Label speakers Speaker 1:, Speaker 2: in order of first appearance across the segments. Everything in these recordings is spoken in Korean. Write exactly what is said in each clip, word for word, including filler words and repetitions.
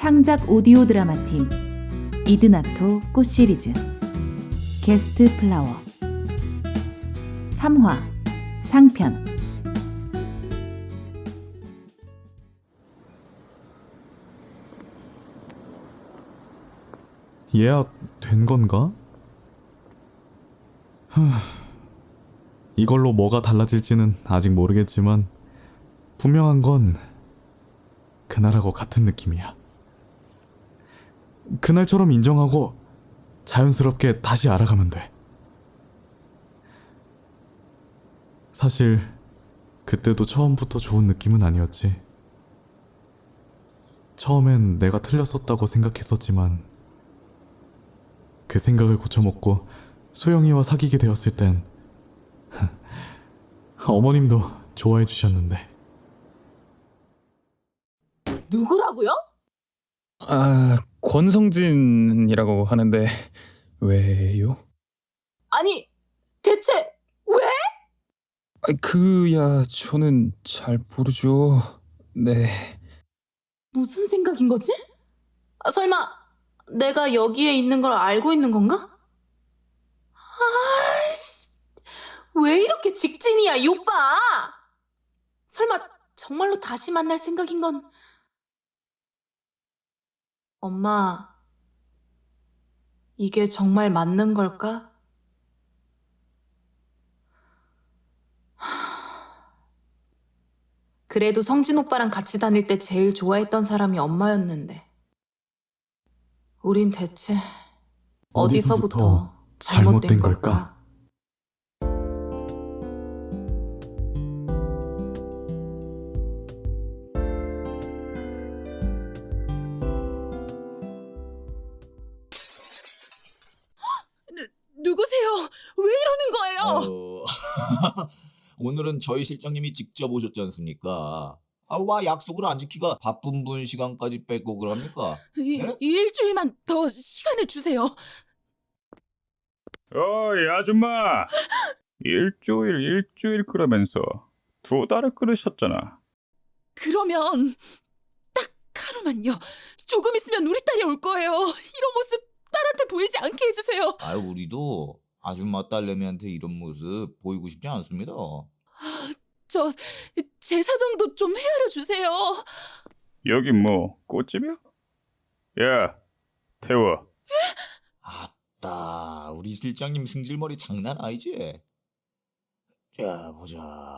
Speaker 1: 창작 오디오 드라마 팀 이드나토 꽃 시리즈 게스트 플라워 삼 화 상편.
Speaker 2: 예약 된 건가? 후, 이걸로 뭐가 달라질지는 아직 모르겠지만 분명한 건 그날하고 같은 느낌이야. 그날처럼 인정하고 자연스럽게 다시 알아가면 돼. 사실 그때도 처음부터 좋은 느낌은 아니었지. 처음엔 내가 틀렸었다고 생각했었지만 그 생각을 고쳐먹고 소영이와 사귀게 되었을 땐 어머님도 좋아해 주셨는데.
Speaker 3: 누구라고요?
Speaker 4: 아, 권성진이라고 하는데 왜요?
Speaker 3: 아니, 대체 왜?
Speaker 4: 아, 그야 저는 잘 모르죠. 네.
Speaker 3: 무슨 생각인 거지? 아, 설마 내가 여기에 있는 걸 알고 있는 건가? 아이씨, 왜 이렇게 직진이야, 이 오빠? 설마 정말로 다시 만날 생각인 건... 엄마, 이게 정말 맞는 걸까? 하... 그래도 성진 오빠랑 같이 다닐 때 제일 좋아했던 사람이 엄마였는데 우린 대체 어디서부터,
Speaker 2: 어디서부터
Speaker 3: 잘못된,
Speaker 2: 잘못된
Speaker 3: 걸까?
Speaker 2: 걸까?
Speaker 3: 누구세요? 왜 이러는 거예요?
Speaker 5: 어... 오늘은 저희 실장님이 직접 오셨지 않습니까? 아, 와 약속을 안 지키가 바쁜 분 시간까지 뺏고 그럽니까?
Speaker 3: 이,
Speaker 5: 네?
Speaker 3: 이 일주일만 더 시간을 주세요.
Speaker 6: 어이 아줌마, 일주일 일주일 끓으면서 두 달을 끓으셨잖아.
Speaker 3: 그러면 딱 하루만요. 조금 있으면 우리 딸이 올 거예요. 이런 모습 딸한테 보이지 않게 해주세요.
Speaker 5: 아유, 우리도 아줌마 딸내미한테 이런 모습 보이고 싶지 않습니다.
Speaker 3: 저 제 사정도 좀 헤아려 주세요.
Speaker 6: 여기 뭐 꽃집이야? 야, 태워.
Speaker 5: 아따, 우리 실장님 승질머리 장난 아니지? 자, 보자.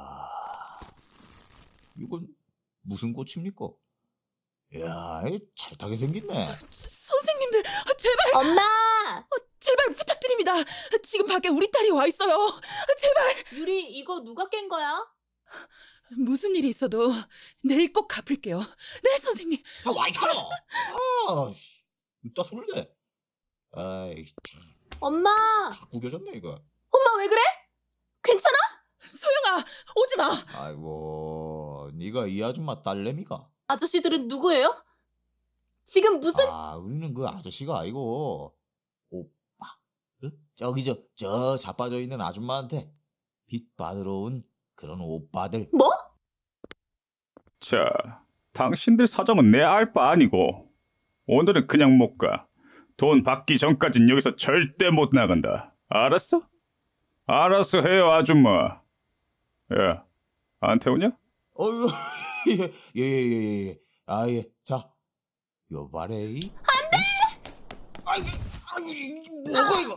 Speaker 5: 이건 무슨 꽃입니까? 야, 이 잘 타게 생겼네.
Speaker 3: 선생님들, 제발,
Speaker 7: 엄마!
Speaker 3: 제발 부탁드립니다. 지금 밖에 우리 딸이 와 있어요. 제발.
Speaker 7: 유리, 이거 누가 깬 거야?
Speaker 3: 무슨 일이 있어도 내일 꼭 갚을게요. 네, 선생님.
Speaker 5: 아, 와이 카노! 아, 씨, 이따 손을 대. 아이, 참,
Speaker 7: 엄마!
Speaker 5: 다 구겨졌네 이거.
Speaker 7: 엄마 왜 그래? 괜찮아?
Speaker 3: 소영아, 오지 마.
Speaker 5: 아이고, 네가 이 아줌마 딸내미가?
Speaker 7: 아저씨들은 누구예요? 지금 무슨...
Speaker 5: 아, 우리는 그 아저씨가 아니고 오빠. 응? 저기 저, 저 자빠져 있는 아줌마한테 빚 받으러 온 그런 오빠들.
Speaker 7: 뭐?
Speaker 6: 자, 당신들 사정은 내 알 바 아니고 오늘은 그냥 못 가. 돈 받기 전까진 여기서 절대 못 나간다. 알았어? 알았어 해요 아줌마. 야, 안 태우냐?
Speaker 5: 어휴, 예, 예, 예, 예, 예. 아, 예. 자, 요바레. 안 돼! 아이고, 아이고, 이게 뭐가 이거?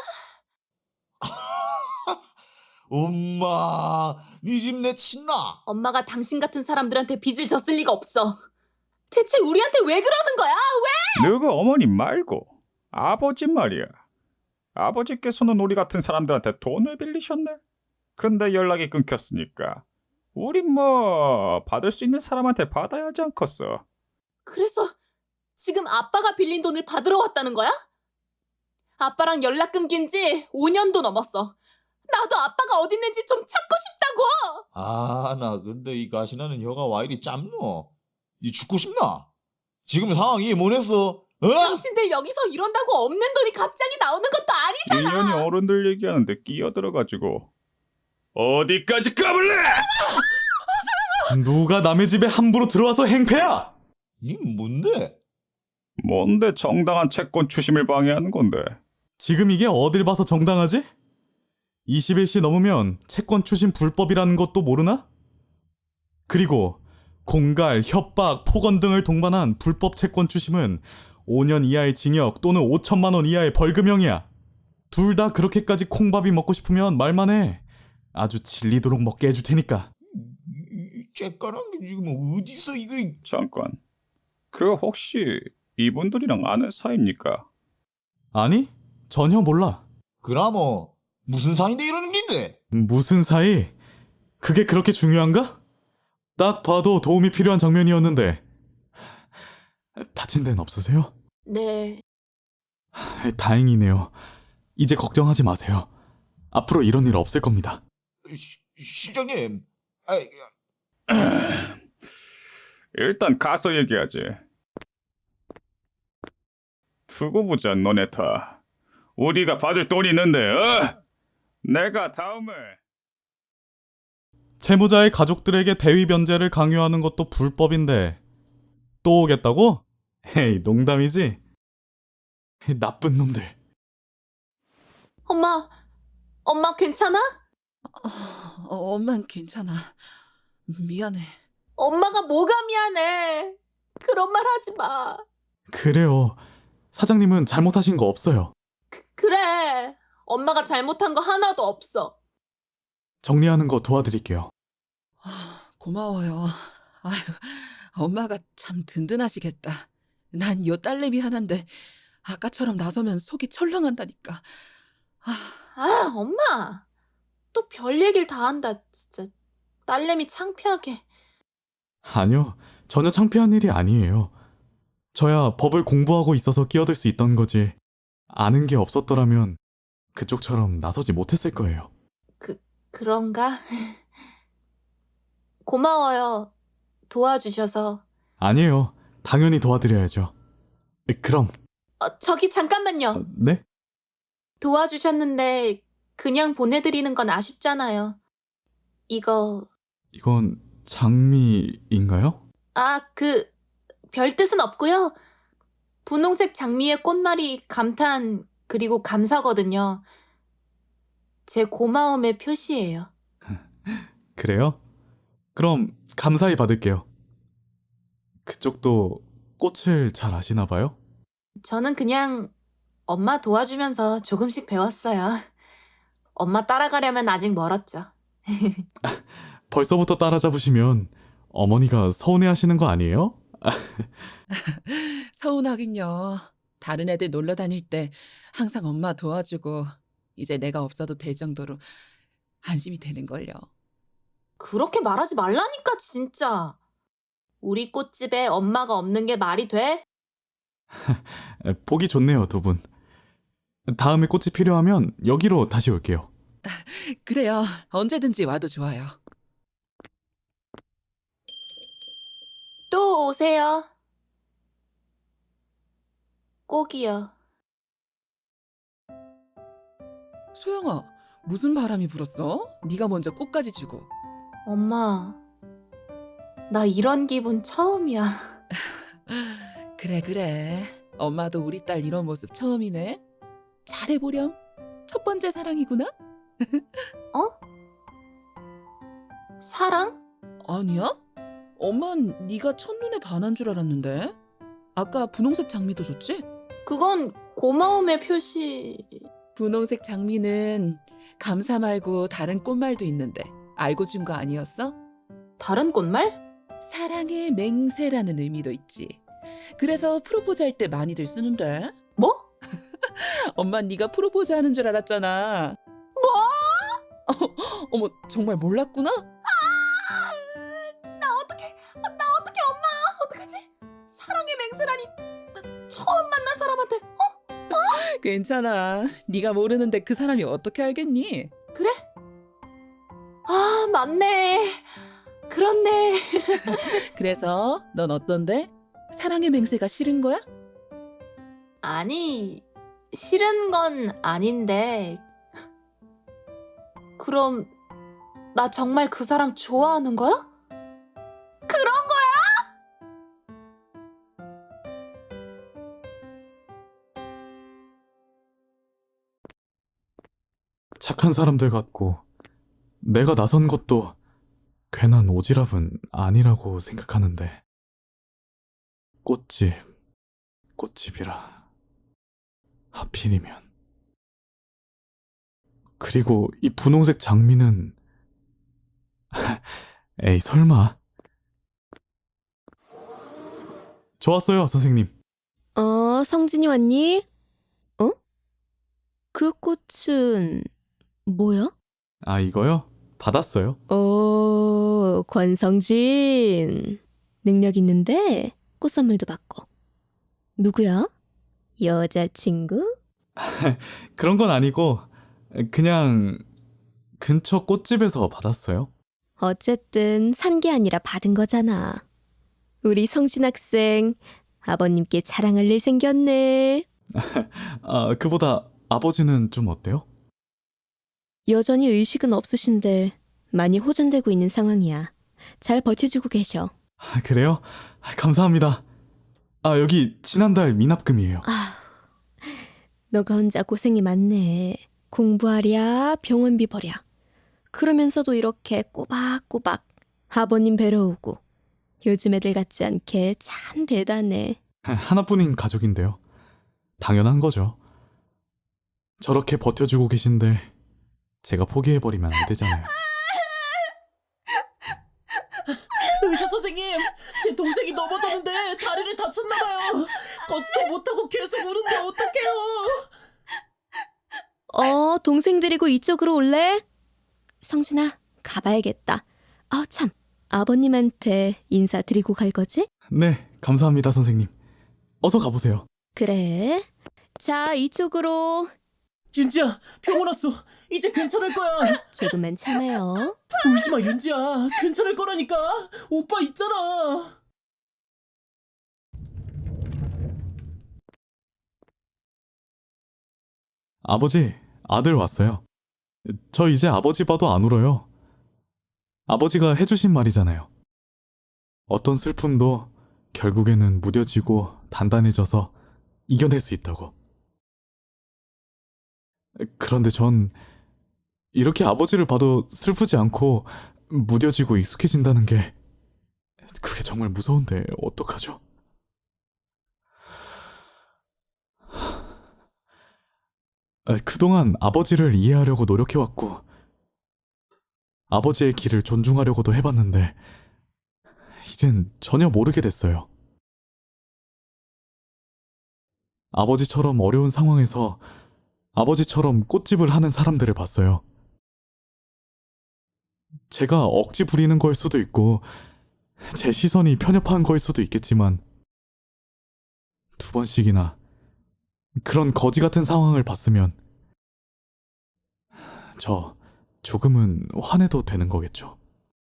Speaker 5: 엄마, 네 집 내 친나?
Speaker 7: 엄마가 당신 같은 사람들한테 빚을 졌을 리가 없어. 대체 우리한테 왜 그러는 거야? 왜?
Speaker 6: 너그 어머니 말고 아버지 말이야. 아버지께서는 우리 같은 사람들한테 돈을 빌리셨네. 근데 연락이 끊겼으니까 우린 뭐 받을 수 있는 사람한테 받아야 하지 않겠어.
Speaker 7: 그래서 지금 아빠가 빌린 돈을 받으러 왔다는 거야? 아빠랑 연락 끊긴 지 오 년도 넘었어. 나도 아빠가 어딨는지 좀 찾고 싶다고!
Speaker 5: 아, 나 근데 이 가시나는 혀가 와 이리 짧노? 이 죽고 싶나? 지금 상황 이해 못했어? 어?
Speaker 7: 당신들 여기서 이런다고 없는 돈이 갑자기 나오는 것도 아니잖아!
Speaker 6: 일년이 어른들 얘기하는데 끼어들어가지고 어디까지 까불래?
Speaker 2: 누가 남의 집에 함부로 들어와서 행패야?
Speaker 5: 니 뭔데?
Speaker 6: 뭔데 정당한 채권 추심을 방해하는 건데?
Speaker 2: 지금 이게 어딜 봐서 정당하지? 이십일 시 넘으면 채권 추심 불법이라는 것도 모르나? 그리고 공갈, 협박, 폭언 등을 동반한 불법 채권 추심은 오 년 이하의 징역 또는 오천만 원 이하의 벌금형이야. 둘 다 그렇게까지 콩밥이 먹고 싶으면 말만 해. 아주 질리도록 먹게 해줄 테니까.
Speaker 5: 이 쬐까란 게 지금 어디서 이거.
Speaker 6: 잠깐. 그 혹시 이분들이랑 아는 사이입니까?
Speaker 2: 아니? 전혀 몰라.
Speaker 5: 그나뭐 무슨 사이인데 이러는 긴데?
Speaker 2: 무슨 사이? 그게 그렇게 중요한가? 딱 봐도 도움이 필요한 장면이었는데. 다친 데는 없으세요?
Speaker 7: 네.
Speaker 2: 다행이네요. 이제 걱정하지 마세요. 앞으로 이런 일 없을 겁니다.
Speaker 5: 시, 시장님, 아,
Speaker 6: 일단 가서 얘기하지. 두고 보자, 너네 다. 우리가 받을 돈이 있는데, 어? 내가 다음을...
Speaker 2: 채무자의 가족들에게 대위 변제를 강요하는 것도 불법인데 또 오겠다고? 에이, 농담이지? 나쁜 놈들.
Speaker 7: 엄마, 엄마 괜찮아?
Speaker 3: 어, 엄만 괜찮아. 미안해.
Speaker 7: 엄마가 뭐가 미안해. 그런 말 하지 마.
Speaker 2: 그래요. 사장님은 잘못하신 거 없어요.
Speaker 7: 그래. 엄마가 잘못한 거 하나도 없어.
Speaker 2: 정리하는 거 도와드릴게요.
Speaker 3: 아, 고마워요. 아유, 엄마가 참 든든하시겠다. 난 요 딸내미 하나인데 아까처럼 나서면 속이 철렁한다니까. 아,
Speaker 7: 아, 엄마. 또 별 얘기를 다 한다. 진짜 딸내미 창피하게.
Speaker 2: 아니요. 전혀 창피한 일이 아니에요. 저야 법을 공부하고 있어서 끼어들 수 있던 거지. 아는 게 없었더라면 그쪽처럼 나서지 못했을 거예요.
Speaker 7: 그, 그런가? 고마워요. 도와주셔서.
Speaker 2: 아니에요. 당연히 도와드려야죠. 그럼,
Speaker 7: 어, 저기 잠깐만요.
Speaker 2: 어, 네?
Speaker 7: 도와주셨는데 그냥 보내드리는 건 아쉽잖아요. 이거,
Speaker 2: 이건 장미인가요?
Speaker 7: 아, 그, 별 뜻은 없고요. 분홍색 장미의 꽃말이 감탄, 그리고 감사거든요. 제 고마움의 표시예요.
Speaker 2: 그래요? 그럼 감사히 받을게요. 그쪽도 꽃을 잘 아시나 봐요?
Speaker 7: 저는 그냥 엄마 도와주면서 조금씩 배웠어요. 엄마 따라가려면 아직 멀었죠.
Speaker 2: 벌써부터 따라잡으시면 어머니가 서운해하시는 거 아니에요?
Speaker 3: 서운하긴요. 다른 애들 놀러 다닐 때 항상 엄마 도와주고 이제 내가 없어도 될 정도로 안심이 되는걸요.
Speaker 7: 그렇게 말하지 말라니까, 진짜. 우리 꽃집에 엄마가 없는 게 말이 돼?
Speaker 2: 보기 좋네요, 두 분. 다음에 꽃이 필요하면 여기로 다시 올게요.
Speaker 3: 그래요. 언제든지 와도 좋아요.
Speaker 7: 또 오세요. 꼭이요.
Speaker 3: 소영아, 무슨 바람이 불었어? 네가 먼저 꽃까지 주고.
Speaker 7: 엄마, 나 이런 기분 처음이야.
Speaker 3: 그래 그래. 엄마도 우리 딸 이런 모습 처음이네. 잘해보렴. 첫 번째 사랑이구나?
Speaker 7: 어? 사랑?
Speaker 3: 아니야? 엄만 네가 첫눈에 반한 줄 알았는데. 아까 분홍색 장미도 줬지?
Speaker 7: 그건 고마움의 표시.
Speaker 3: 분홍색 장미는 감사 말고 다른 꽃말도 있는데 알고 준 거 아니었어?
Speaker 7: 다른 꽃말?
Speaker 3: 사랑의 맹세라는 의미도 있지. 그래서 프로포즈 할 때 많이들 쓰는데.
Speaker 7: 뭐?
Speaker 3: 엄마 네가 프로포즈 하는 줄 알았잖아.
Speaker 7: 뭐?
Speaker 3: 어, 어머 정말 몰랐구나?
Speaker 7: 아, 나 어떡해. 나 어떡해, 엄마. 어떡하지? 사랑의 맹세라니. 나 처음 만난 사람한테. 어?
Speaker 3: 괜찮아. 네가 모르는데 그 사람이 어떻게 알겠니?
Speaker 7: 그래? 아, 맞네. 그렇네.
Speaker 3: 그래서 넌 어떤데? 사랑의 맹세가 싫은 거야?
Speaker 7: 아니, 싫은 건 아닌데. 그럼 나 정말 그 사람 좋아하는 거야? 그런 거야?
Speaker 2: 착한 사람들 같고 내가 나선 것도 괜한 오지랖은 아니라고 생각하는데 꽃집, 꽃집이라 하필이면. 그리고 이 분홍색 장미는 에이 설마. 좋았어요 선생님.
Speaker 8: 어, 성진이 왔니? 어? 그 꽃은 뭐야?
Speaker 2: 아 이거요? 받았어요.
Speaker 8: 오, 권성진. 능력 있는데 꽃 선물도 받고. 누구야? 여자친구?
Speaker 2: 그런 건 아니고 그냥 근처 꽃집에서 받았어요.
Speaker 8: 어쨌든 산 게 아니라 받은 거잖아. 우리 성진 학생 아버님께 자랑할 일 생겼네.
Speaker 2: 아 그보다 아버지는 좀 어때요?
Speaker 8: 여전히 의식은 없으신데 많이 호전되고 있는 상황이야. 잘 버텨주고 계셔.
Speaker 2: 아, 그래요? 아, 감사합니다. 아 여기 지난달 미납금이에요.
Speaker 8: 아, 너가 혼자 고생이 많네. 공부하랴, 병원비 벌랴. 그러면서도 이렇게 꼬박꼬박 아버님 뵈러 오고. 요즘 애들 같지 않게 참 대단해.
Speaker 2: 하나뿐인 가족인데요. 당연한 거죠. 저렇게 버텨주고 계신데 제가 포기해버리면 안 되잖아요.
Speaker 3: 의사 선생님, 제 동생이 넘어졌는데 다리를 다쳤나봐요. 걷지도 못하고 계속 우는데 어떡해요?
Speaker 8: 어, 동생 데리고 이쪽으로 올래? 성진아, 가봐야겠다. 아, 참. 아버님한테 인사드리고 갈 거지?
Speaker 2: 네, 감사합니다 선생님. 어서 가보세요.
Speaker 8: 그래. 자, 이쪽으로.
Speaker 3: 윤지야, 병원 왔어. 이제 괜찮을 거야.
Speaker 8: 조금만 참아요.
Speaker 3: 울지 마, 윤지야. 괜찮을 거라니까. 오빠 있잖아.
Speaker 2: 아버지, 아들 왔어요. 저 이제 아버지 봐도 안 울어요. 아버지가 해주신 말이잖아요. 어떤 슬픔도 결국에는 무뎌지고 단단해져서 이겨낼 수 있다고. 그런데 전 이렇게 아버지를 봐도 슬프지 않고 무뎌지고 익숙해진다는 게 그게 정말 무서운데 어떡하죠? 그동안 아버지를 이해하려고 노력해왔고 아버지의 길을 존중하려고도 해봤는데 이젠 전혀 모르게 됐어요. 아버지처럼 어려운 상황에서 아버지처럼 꽃집을 하는 사람들을 봤어요. 제가 억지 부리는 걸 수도 있고 제 시선이 편협한 걸 수도 있겠지만 두 번씩이나 그런 거지 같은 상황을 봤으면 저 조금은 화내도 되는 거겠죠.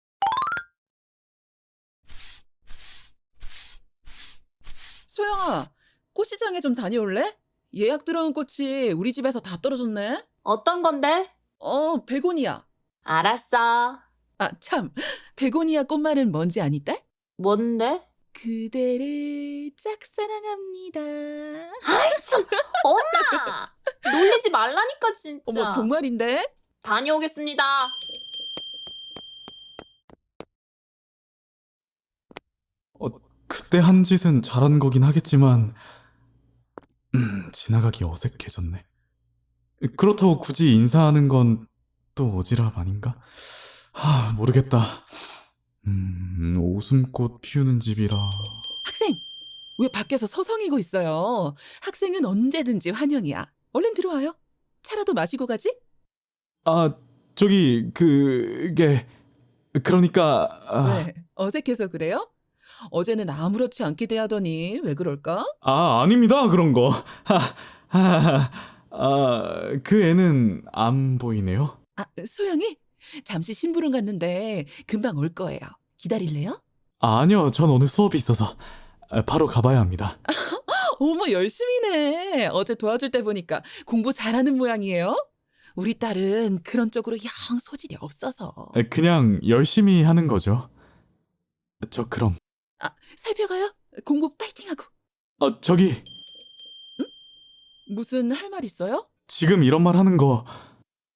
Speaker 3: 소영아, 꽃시장에 좀 다녀올래? 예약 들어온 꽃이 우리 집에서 다 떨어졌네.
Speaker 7: 어떤 건데?
Speaker 3: 어, 베고니아.
Speaker 7: 알았어.
Speaker 3: 아, 참. 베고니아 꽃말은 뭔지 아니, 딸?
Speaker 7: 뭔데?
Speaker 3: 그대를 짝사랑합니다.
Speaker 7: 아이 참, 엄마! 놀리지 말라니까 진짜.
Speaker 3: 어머, 정말인데?
Speaker 7: 다녀오겠습니다.
Speaker 2: 어, 그때 한 짓은 잘한 거긴 하겠지만 음, 지나가기 어색해졌네. 그렇다고 굳이 인사하는 건 또 오지랖 아닌가? 아, 모르겠다. 음, 웃음꽃 피우는 집이라.
Speaker 3: 학생! 왜 밖에서 서성이고 있어요? 학생은 언제든지 환영이야. 얼른 들어와요. 차라도 마시고 가지?
Speaker 2: 아, 저기 그게 그러니까 아,
Speaker 3: 왜? 어색해서 그래요? 어제는 아무렇지 않게 대하더니 왜 그럴까?
Speaker 2: 아, 아닙니다. 그런 거. 하, 하, 아, 그 애는 안 보이네요.
Speaker 3: 아, 소영이? 잠시 심부름 갔는데 금방 올 거예요. 기다릴래요?
Speaker 2: 아, 아니요. 전 오늘 수업이 있어서 아, 바로 가봐야 합니다.
Speaker 3: 어머, 열심히네. 어제 도와줄 때 보니까 공부 잘하는 모양이에요. 우리 딸은 그런 쪽으로 영 소질이 없어서.
Speaker 2: 아, 그냥 열심히 하는 거죠. 저 그럼.
Speaker 3: 아, 살펴가요? 공부 파이팅하고.
Speaker 2: 어, 저기
Speaker 3: 무슨 할 말 있어요?
Speaker 2: 지금 이런 말 하는 거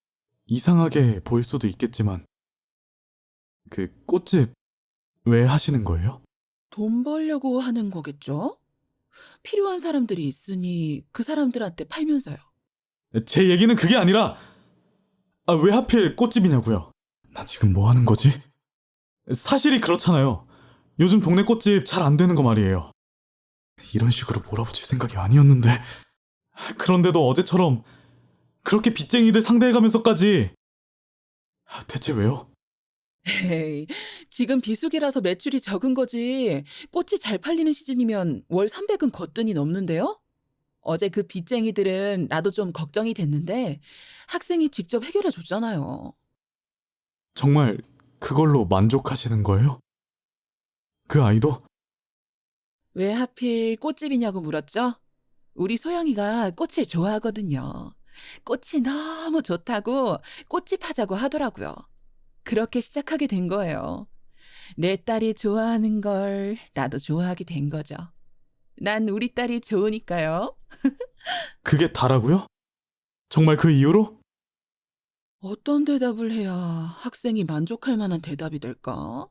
Speaker 2: 이상하게 보일 수도 있겠지만 그 꽃집 왜 하시는 거예요?
Speaker 3: 돈 벌려고 하는 거겠죠? 필요한 사람들이 있으니 그 사람들한테 팔면서요.
Speaker 2: 제 얘기는 그게 아니라 아, 왜 하필 꽃집이냐고요? 나 지금 뭐 하는 거지? 사실이 그렇잖아요. 요즘 동네 꽃집 잘 안 되는 거 말이에요. 이런 식으로 몰아붙일 생각이 아니었는데 그런데도 어제처럼 그렇게 빚쟁이들 상대해가면서까지 대체 왜요?
Speaker 3: 에이, 지금 비수기라서 매출이 적은 거지. 꽃이 잘 팔리는 시즌이면 월 삼백은 거뜬히 넘는데요? 어제 그 빚쟁이들은 나도 좀 걱정이 됐는데 학생이 직접 해결해 줬잖아요.
Speaker 2: 정말 그걸로 만족하시는 거예요? 그 아이도?
Speaker 3: 왜 하필 꽃집이냐고 물었죠? 우리 소영이가 꽃을 좋아하거든요. 꽃이 너무 좋다고 꽃집 하자고 하더라고요. 그렇게 시작하게 된 거예요. 내 딸이 좋아하는 걸 나도 좋아하게 된 거죠. 난 우리 딸이 좋으니까요.
Speaker 2: 그게 다라고요? 정말 그 이유로?
Speaker 3: 어떤 대답을 해야 학생이 만족할 만한 대답이 될까?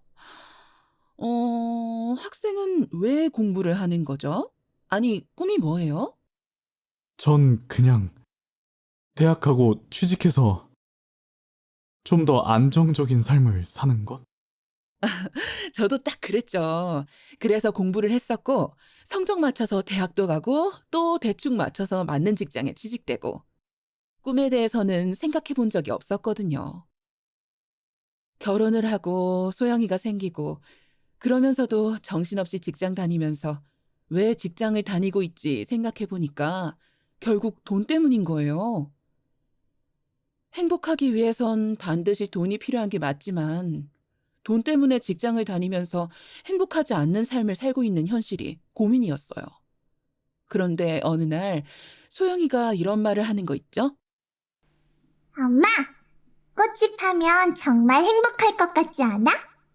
Speaker 3: 어, 학생은 왜 공부를 하는 거죠? 아니, 꿈이 뭐예요?
Speaker 2: 전 그냥 대학하고 취직해서 좀 더 안정적인 삶을 사는 것?
Speaker 3: 저도 딱 그랬죠. 그래서 공부를 했었고, 성적 맞춰서 대학도 가고, 또 대충 맞춰서 맞는 직장에 취직되고, 꿈에 대해서는 생각해 본 적이 없었거든요. 결혼을 하고 소영이가 생기고, 그러면서도 정신없이 직장 다니면서 왜 직장을 다니고 있지 생각해 보니까 결국 돈 때문인 거예요. 행복하기 위해선 반드시 돈이 필요한 게 맞지만 돈 때문에 직장을 다니면서 행복하지 않는 삶을 살고 있는 현실이 고민이었어요. 그런데 어느 날 소영이가 이런 말을 하는 거 있죠?
Speaker 9: 엄마, 꽃집 하면 정말 행복할 것 같지 않아?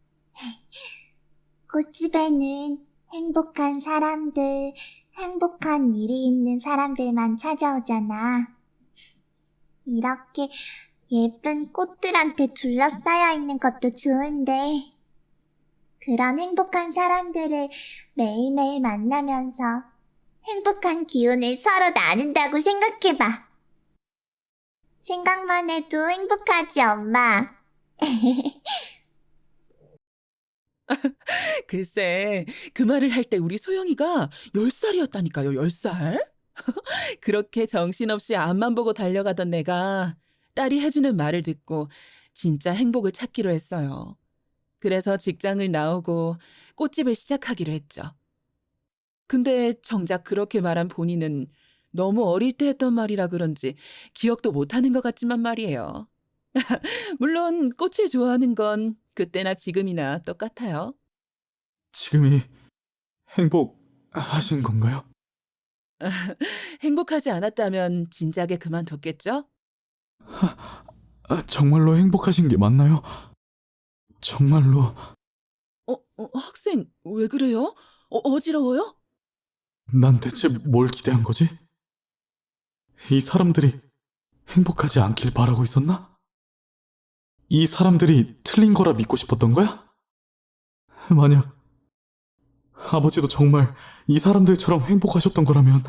Speaker 9: 꽃집에는 행복한 사람들, 행복한 일이 있는 사람들만 찾아오잖아. 이렇게 예쁜 꽃들한테 둘러싸여 있는 것도 좋은데, 그런 행복한 사람들을 매일매일 만나면서 행복한 기운을 서로 나눈다고 생각해봐. 생각만 해도 행복하지, 엄마.
Speaker 3: 글쎄, 그 말을 할 때 우리 소영이가 열 살이었다니까요, 열 살? 그렇게 정신없이 앞만 보고 달려가던 내가 딸이 해주는 말을 듣고 진짜 행복을 찾기로 했어요. 그래서 직장을 나오고 꽃집을 시작하기로 했죠. 근데 정작 그렇게 말한 본인은 너무 어릴 때 했던 말이라 그런지 기억도 못하는 것 같지만 말이에요. 물론 꽃을 좋아하는 건 그때나 지금이나 똑같아요.
Speaker 2: 지금이 행복하신 건가요?
Speaker 3: 행복하지 않았다면 진작에 그만뒀겠죠?
Speaker 2: 아, 정말로 행복하신 게 맞나요? 정말로
Speaker 3: 어, 어, 학생 왜 그래요? 어, 어지러워요?
Speaker 2: 난 대체 뭘 기대한 거지? 이 사람들이 행복하지 않길 바라고 있었나? 이 사람들이 틀린 거라 믿고 싶었던 거야? 만약 아버지도 정말 이 사람들처럼 행복하셨던 거라면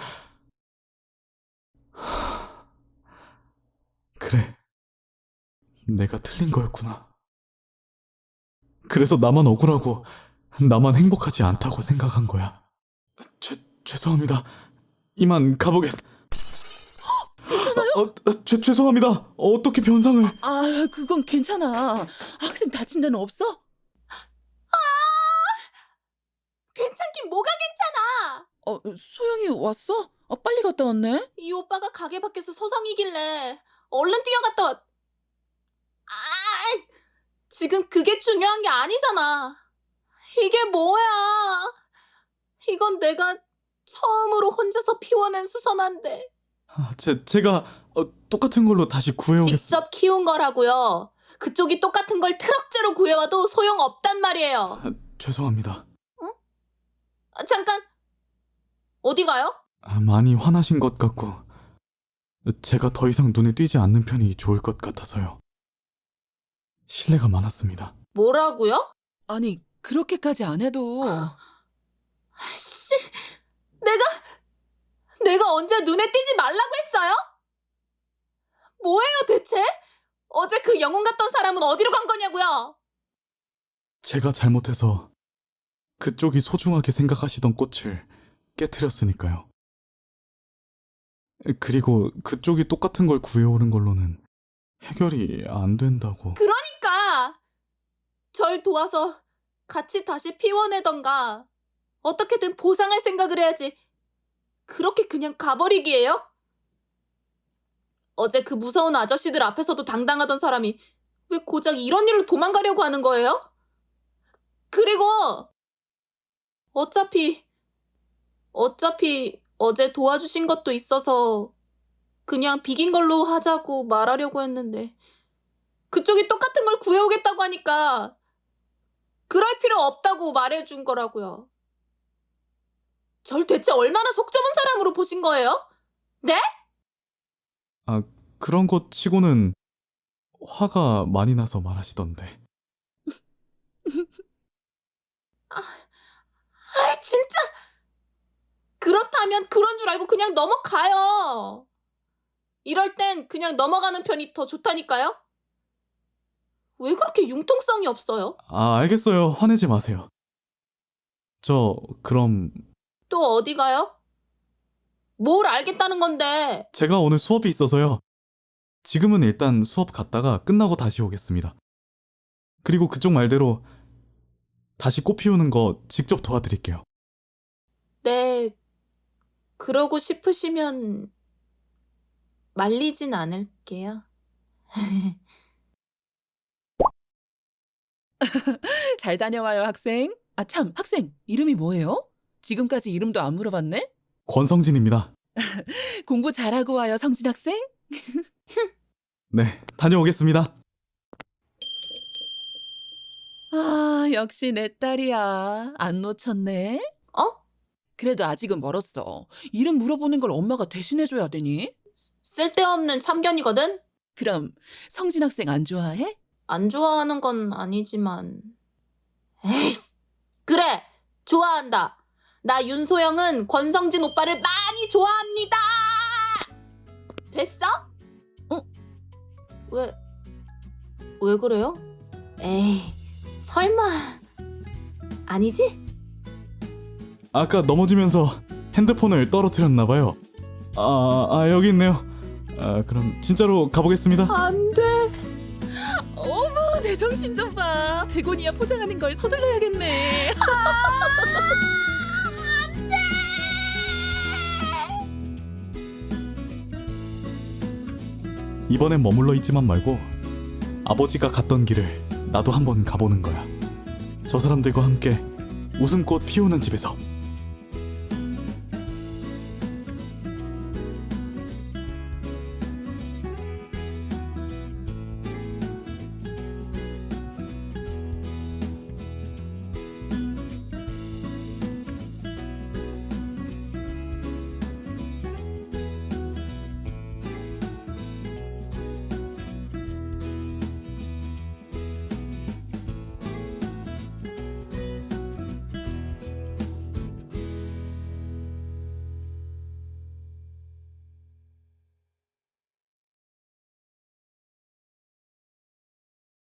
Speaker 2: 그래, 내가 틀린 거였구나. 그래서 나만 억울하고 나만 행복하지 않다고 생각한 거야. 죄, 죄송합니다. 이만 가보겠...
Speaker 3: 괜찮아요?
Speaker 2: 어, 어, 죄, 죄송합니다. 어떻게 변상을...
Speaker 3: 아, 그건 괜찮아. 학생 다친 데는 없어?
Speaker 7: 괜찮긴 뭐가 괜찮아.
Speaker 3: 어, 소영이 왔어? 어, 빨리 갔다 왔네?
Speaker 7: 이 오빠가 가게 밖에서 서성이길래 얼른 뛰어갔다 왔... 아, 지금 그게 중요한 게 아니잖아. 이게 뭐야. 이건 내가 처음으로 혼자서 피워낸 수선화인데
Speaker 2: 아, 제, 제가 어, 똑같은 걸로 다시 구해오겠습니다.
Speaker 7: 직접 키운 거라고요. 그쪽이 똑같은 걸 트럭째로 구해와도 소용없단 말이에요.
Speaker 2: 아, 죄송합니다.
Speaker 7: 아, 잠깐, 어디 가요?
Speaker 2: 아, 많이 화나신 것 같고 제가 더 이상 눈에 띄지 않는 편이 좋을 것 같아서요. 신뢰가 많았습니다.
Speaker 7: 뭐라고요?
Speaker 3: 아니, 그렇게까지 안 해도.
Speaker 7: 씨, 내가, 내가 언제 눈에 띄지 말라고 했어요? 뭐예요 대체? 어제 그 영웅 같던 사람은 어디로 간 거냐고요?
Speaker 2: 제가 잘못해서 그쪽이 소중하게 생각하시던 꽃을 깨트렸으니까요. 그리고 그쪽이 똑같은 걸 구해오는 걸로는 해결이 안 된다고.
Speaker 7: 그러니까 절 도와서 같이 다시 피워내던가 어떻게든 보상할 생각을 해야지. 그렇게 그냥 가버리기예요? 어제 그 무서운 아저씨들 앞에서도 당당하던 사람이 왜 고작 이런 일로 도망가려고 하는 거예요? 그리고 어차피 어차피 어제 도와주신 것도 있어서 그냥 비긴 걸로 하자고 말하려고 했는데 그쪽이 똑같은 걸 구해오겠다고 하니까 그럴 필요 없다고 말해준 거라고요. 절 대체 얼마나 속 좁은 사람으로 보신 거예요? 네?
Speaker 2: 아, 그런 것 치고는 화가 많이 나서 말하시던데.
Speaker 7: 아, 아 진짜 그렇다면 그런 줄 알고 그냥 넘어가요. 이럴 땐 그냥 넘어가는 편이 더 좋다니까요. 왜 그렇게 융통성이 없어요?
Speaker 2: 아, 알겠어요. 화내지 마세요. 저 그럼
Speaker 7: 또 어디 가요? 뭘 알겠다는 건데.
Speaker 2: 제가 오늘 수업이 있어서요. 지금은 일단 수업 갔다가 끝나고 다시 오겠습니다. 그리고 그쪽 말대로 다시 꽃 피우는 거 직접 도와드릴게요.
Speaker 7: 네, 그러고 싶으시면 말리진 않을게요.
Speaker 3: 잘 다녀와요, 학생. 아, 참, 학생, 이름이 뭐예요? 지금까지 이름도 안 물어봤네?
Speaker 2: 권성진입니다.
Speaker 3: 공부 잘하고 와요, 성진 학생.
Speaker 2: 네, 다녀오겠습니다.
Speaker 3: 아, 역시 내 딸이야. 안 놓쳤네.
Speaker 7: 어?
Speaker 3: 그래도 아직은 멀었어. 이름 물어보는 걸 엄마가 대신해줘야 되니?
Speaker 7: 쓸데없는 참견이거든?
Speaker 3: 그럼 성진 학생 안 좋아해?
Speaker 7: 안 좋아하는 건 아니지만. 에이, 그래! 좋아한다! 나 윤소영은 권성진 오빠를 많이 좋아합니다! 됐어?
Speaker 3: 어?
Speaker 7: 왜, 왜 그래요? 에이, 설마. 아니지?
Speaker 2: 아까 넘어지면서 핸드폰을 떨어뜨렸나봐요. 아, 아, 여기 있네요. 아, 그럼 진짜로 가보겠습니다.
Speaker 7: 안 돼.
Speaker 3: 어머, 내 정신 좀 봐. 베고니아 포장하는 걸 서둘러야겠네.
Speaker 2: 이번엔 머물러 있지만 말고 아버지가 갔던 길을 나도 한번 가보는 거야. 저 사람들과 함께 웃음꽃 피우는 집에서.